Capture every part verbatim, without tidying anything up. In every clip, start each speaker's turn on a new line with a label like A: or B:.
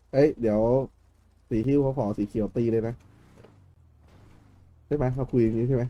A: เอ้ยเดี๋ยวสีฮิ้วเขาขอสีเขียวตีเลยนะใช่ไหมเราคุยอย่างนี้ใช่ไหม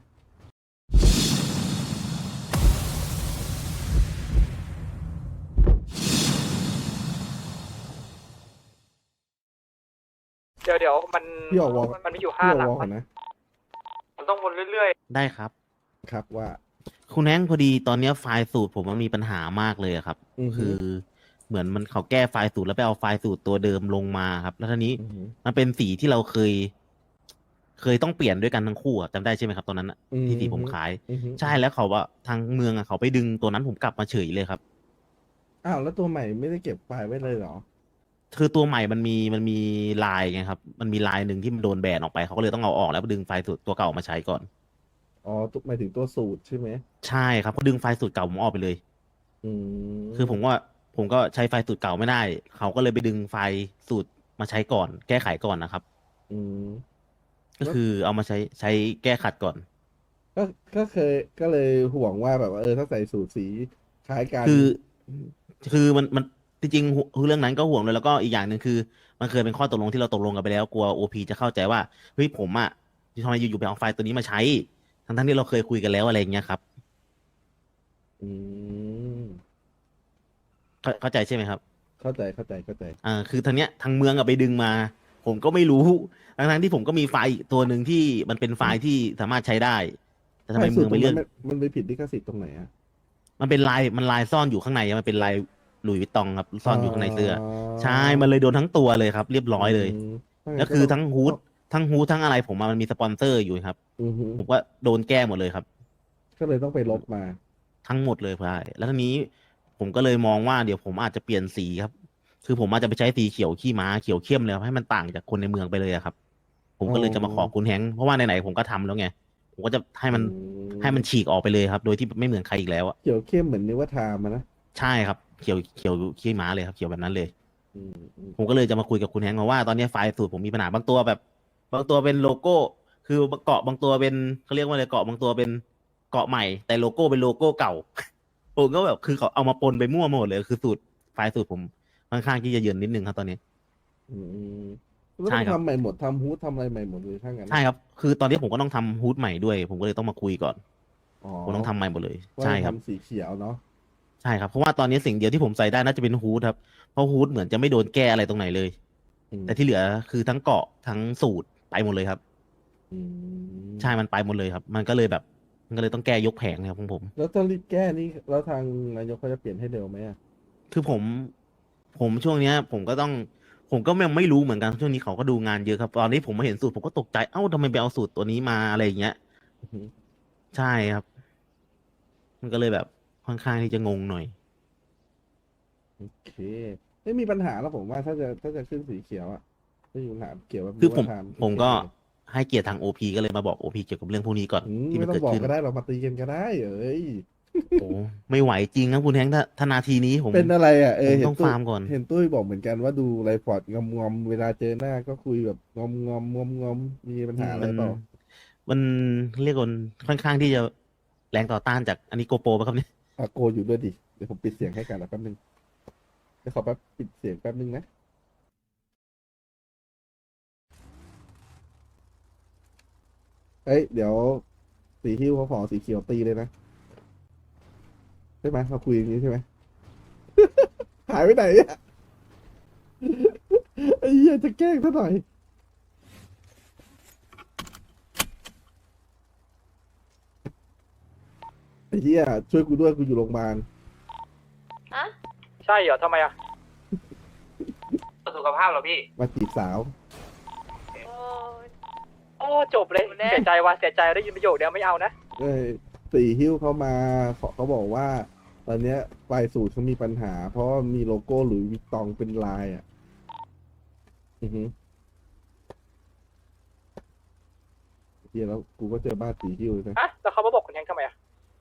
B: เดี๋ยวเดี๋ยวมัน
A: พี่ออกวอล
B: มันมีอยู่
A: พี่
B: ห้าหลังมัน
A: ออกวอลก่อนนะ
B: มันต้องวนเรื่อย
C: ได้ครับ
A: ครับว่า
C: คุณแฮงค์พอดีตอนเนี้ยไฟล์สูตรผมมันมีปัญหามากเลยอะครับ
A: อือฮึ
C: คือเหมือนมันเขาแก้ไฟล์สูตรแล้วไปเอาไฟล์สูตรตัวเดิมลงมาครับแล้วทีนี้
A: อือฮึ
C: มันเป็นสีที่เราเคย เคยต้องเปลี่ยนด้วยกันทั้งคู่อะจำได้ใช่ไหมครับตอนนั้นอะ
A: อื
C: ที่สี
A: อฮึ
C: ผมขาย
A: อือฮึ
C: ใช่แล้วเขาว่าทางเมืองอะเขาไปดึงตัวนั้นผมกลับมาเฉยเลยครับ
A: อ้าวแล้วตัวใหม่ไม่ได้เก็บไฟล์ไว้เลยเหรอ
C: คือตัวใหม่มันมีมันมีลายไงครับมันมีลายหนึ่งที่มันโดนแบนออกไปเขาก็เลยต้องเอาออกแล้วดึงไฟล์สูตรตัวเก่ามาใช้ก่อน
A: อ๋อตัวหมายถึงตัวสูตรใช่ไหม
C: ใช่ครับเขาดึงไฟล์สูตรเก่าผมออกไปเลย
A: อื
C: คือผม
A: ม
C: ว่าผมก็ใช้ไฟล์สูตรเก่าไม่ได้ เขาก็เลยไปดึงไฟล์สูตรมาใช้ก่อน แก้ไขก่อนนะครับ
A: อืมแล้ว
C: ก็คือเอามาใช้ใช้แก้ขัดก่อน
A: ก็ก็เคยก็เลยห่วงว่าแบบว่าเออถ้าใส่สูตรสีคล้ายกัน
C: คือคือมันมันจริงๆคือเรื่องนั้นก็ห่วงเลยแล้วก็อีกอย่างหนึ่งคือมันเคยเป็นข้อตกลงที่เราตกลงกันไปแล้วกลัวโอพีจะเข้าใจว่าเฮ้ยผมอ่ะทำไมอยู่ๆไปเอาไฟล์ตัวนี้มาใช้ทั้งทั้งที่เราเคยคุยกันแล้วอะไรอย่างเงี้ยครับ
A: อืม
C: เข้าเข้าใจใช่ไหมครับ
A: เข้าใจเข้าใจเข้าใจ
C: อ่าคือทางเนี้ยทางเมืองอะไปดึงมาผมก็ไม่รู้ทั้งทั้งที่ผมก็มีไฟล์อีกตัวหนึ่งที่มันเป็นไฟล์ที่สามารถใช้ได้แต่ทำไม
A: ไฟล์สู
C: เมืองไปเลือก
A: ตรตรงนั้นมันมันไปผิดลิขสิทธิ์ตรงไหนอะ
C: มันเป็นลายมันลายซ่อนอยู่ข้างในมันเป็นลายหลุยส์วิตตองครับซ่
A: อ๋
C: อนอยู่ข้างในเสื้อ
A: อ
C: ใช่มันเลยโดนทั้งตัวเลยครับเรียบร้
A: อื
C: อยเลย
A: มถ้างั้
C: แล้วคือ
A: นก็ต้อง
C: ทั้งฮูด
A: ต้อง
C: ทั้งฮูดทั้งอะไรผมอะมันมีสปอนเซอร์อยู่ครับ
A: อือฮึ
C: ผมก็โดนแก้หมดเลยครับ
A: ก็เลยต้องไปลบมา
C: ทั้งหมดเลยใช่แล้วทีนี้ผมก็เลยมองว่าเดี๋ยวผมอาจจะเปลี่ยนสีครับคือผมอาจจะไปใช้สีเขียวขี้ม้าเขียวเข้มเลยครับให้มันต่างจากคนในเมืองไปเลยอะครับผม
A: อ๋
C: ก็เลยจะมาขอ
A: อ
C: คุณแฮงค์เพราะว่าไหนๆผมก็ทำแล้วไงผมก็จะให้
A: อื
C: มันให้มัน
A: ม
C: ฉีกออกไปเลยครับโดยที่ไม่เหมือนใครอีกแล้วอะ
A: เขียวเข้มเหมือนนึกว่าทามานะ
C: ใช่ครับเขียวเขียวขี้ม้าเลยครับเขียวแบบนั้นเลย
A: อืมอืม
C: ผมก็เลยจะมาคุยกับคุณแฮงค์มาว่าตอนนี้ไฟล์สูตรผมมีปัญหาบางตัวแบบบางตัวเป็นโลโก้คือเกาะบางตัวเป็นเขาเรียกว่าอะไรเกาะบางตัวเป็นเกาะใหม่แต่โลโก้เป็นโลโก้เก่าผมก็แบบคือเขาเอามาปนไปมั่วหมดเลยคือสูตรไฟล์สูตรผมค่อนข้างที่จะเยินนิดนึงครับตอนนี้
A: อืมก็
C: ใช่ครับ
A: ต้องทำใหม่หมดทำฮูดทำอะไรใหม่หมดเลยถ้างั้นนะ
C: ใช่ครับคือตอนนี้ผมก็ต้องทำฮูดใหม่ด้วยผมก็เลยต้องมาคุยก่อน
A: อ๋อ
C: ผมต้องทำใหม่หมดเลย
A: ว่า
C: ใช่ครับ
A: จะทำสีเขียวเนาะ
C: ใช่ครับเพราะว่าตอนนี้สิ่งเดียวที่ผมใส่ได้น่าจะเป็นฮูดครับเพราะฮูดเหมือนจะไม่โดนแก้อะไรตรงไหนเลย
A: อืม
C: แต่ที่เหลือคือทั้งเกาะทั้งสูตรไปหมดเลยครับ
A: อื
C: ใช่มัน
A: ม
C: ไปหมดเลยครับมันก็เลยแบบมันก็เลยต้องแก้ยกแผงครับของผม
A: แล้วถ้ารีบแก้นี่แล้วทางนายกเขาจะเปลี่ยนให้เร็วไหมอ่ะ
C: คือผมผมช่วงเนี้ยผมก็ต้องผมก็ยังไม่รู้เหมือนกันช่วงนี้เขาก็ดูงานเยอะครับตอนนี้ผมมาเห็นสูตรผมก็ตกใจเอ้าทำไมไปเอาสูตรตัวนี้มาอะไรอย่างเงี้ย
A: อือฮึ
C: ใช่ครับมันก็เลยแบบค่อนข้างที่จะงงหน่อย
A: โอเคไม่มีปัญหาแล้วผมว่าถ้าจะถ้าจะขึ้นสีเขียวอ่ะไม่มีปัญหาเกี่ยวกับ
C: คือผม
A: นิวทาม
C: ผมก็
A: เข้มๆเลย
C: ให้เกียรติทางโอพีก็เลยมาบอกโอพีเกี่ยวกับเรื่องพวกนี้ก่อน
A: อืม
C: ที่
A: ไม่ต้องบอก
C: มันเกิดขึ้น
A: ก็ได้เรามาตีกันก็ได้เอ้ย
C: โอ้ไม่ไหวจริงครับคุณแฮงค์ถ้าถ้านาทีนี้ผม
A: เป็นอะไรอ่ะเอ
C: ผมต้อง
A: อเห็นตุ้ย
C: ฟาร์มก่อน
A: เห็นตุ้ยบอกเหมือนกันว่าดูไรพอร์ตงอมงอมเวลาเจอหน้าก็คุยแบบงอมงอมงอมงอมมีปัญ
C: อืมมัน
A: หาอะไรเปล่า
C: มันเรียกว่าค่อนข้างที่จะแรงต่อต้านจากอันนี้โกโปรป่ะครับเนี่ย
A: อาโกอยู่ด้วยดิเดี๋ยวผมปิดเสียงให้กันนะแป๊บนึงเดี๋ยวขอแป๊บปิดเสียงแป๊บนึงนะเอ้ยเดี๋ยวสีฮิ้วเขาขอสีเขียวตีเลยนะใช่ไหมเราคุยอย่างนี้ใช่ไหมหายไปไหนอ่ะไอ้เหี้ยจะแกล้งซะหน่อยไอ้เหี้ยช่วยกูด้วยกูอยู่โรงพยาบาล
D: อะ
B: ๆใช่เหรอทำไมอ่ะสุขภาพเหรอพี่
A: มาจีบสาว
D: โอ้ย
B: โอ้จบเลยเสียใจว่ะเสียใจได้ยินประโยคเดียวไม่เอานะ
A: เอ้ยสีฮิ้วเขามาขอเขาบอกว่า ตอนเนี้ยไฟล์สูตรเขามีปัญหา เพราะว่ามีโลโก้หรือวิตตองเป็นลายอ่ะอือฮึเฮียแล้วกูก็เจอบ้านสีฮิ้วเลยนะ
B: ฮะแล้วเขามาบอกคุณแฮงค์ทำไมอ่ะ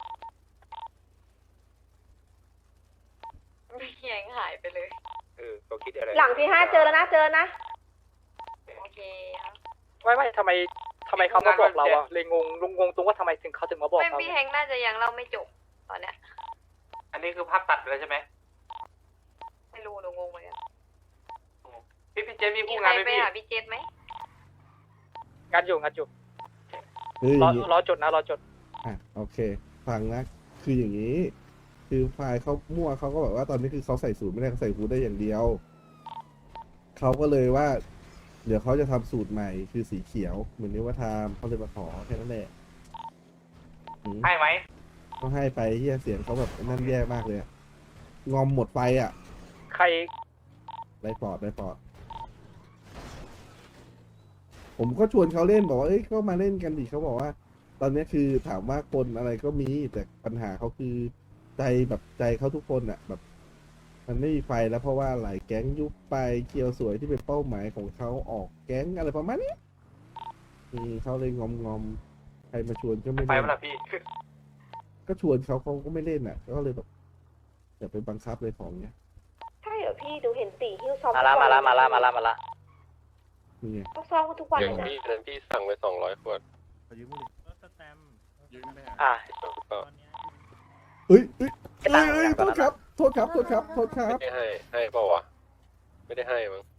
D: ไม่แยงหายไปเลย
B: เออเขาคิดอะไร
E: หลังที่ห้าเจอแล้วนะเจอนะ
D: โอเคครับ
B: ไม่ไม่ทำไมทำไมเขามาบอกเราอ่ะเลยงงลุงงงตรงว่าทำไมถึงเขาถึงมาบอก
D: ไม่
B: เรา
D: พี่แฮงค์น่าจะยังเล่าไม่จบตอนเนี้ย
B: อันนี้คือภาพตัดเลยใช่ไหม
D: ไม่รู้หนูงงเหมือนกัน
E: พี่พี่เจมี
D: มี
E: คู่
D: ใครง
E: านไหม
D: ไป
E: พี่
D: หาพี่เจษไหม
B: งัดอยู่งัดอยู่
A: คืออ
B: รอย่าง
A: นี้
B: รอจดนะรอจด
A: อ่ะโอเค ฟังนะ คืออย่างนี้ คือไฟล์เขามั่วเขาก็แบบว่าตอนนี้คือเขาใส่สูตรไม่ได้เขาใส่ฮูดได้อย่างเดียว เขาก็เลยว่า เดี๋ยวเขาจะทำสูตรใหม่คือสีเขียว เหมือนนี้ว่าทำเขาเลยมาขอแค่นั้นแหละอืม
E: ให้ไหม
A: ก็ให้ไปเฮียเสียงเขาแบบนั่นแย่มากเลยอะงอมหมดไฟอ่ะ
B: ใคร
A: ได้ปอดได้ปอด ผมก็ชวนเขาเล่นบอกว่าเอ้ยก็มาเล่นกันดิเขาบอกว่า ตอนนี้คือถามว่าคนอะไรก็มีแต่ปัญหาเขาคือใจแบบใจเขาทุกคนอะแบบ มันไม่มีไฟแล้วเพราะว่าหลายแก๊งยุบไปเคียวสวยที่เป็นเป้าหมายของเขาออกแก๊งอะไรประมาณนี้อืมเขาเลยงอมงอมใครมาชวนก็ไม่
E: ไป
A: เล่น
E: เวลาพี่
A: ก็ชวนเขาเขาก็ไม่เล่นอ่ะก็เลยแบบอย่าไปบังคับเลยของเนี้ย
F: ใช่เหรอพี่ดูเห็นตีหิ้วซ้อม
B: มาละ
F: ทุก
B: มา
F: วัน
B: ละมาละ
F: เย
B: มาละมาละ
A: นี่ไง
F: เขาซ้อมกันทุกวัน
G: อ
F: เล
G: ย่าง
F: ยนะ
G: พี่นั้นพี่สั่งไปสองร้อยขวด
B: อ่ะ
G: ก็
A: เอ้ยเอ้ย
B: ไอ้
A: เอ้
B: ตัง
A: ย
B: ค์
A: เอ้ยโทษครับโทษครับโทษครับโทษครั
G: ไม่
A: บ
G: ได้ให้ให้เปล่าวะไม่ได้ให้มั้ง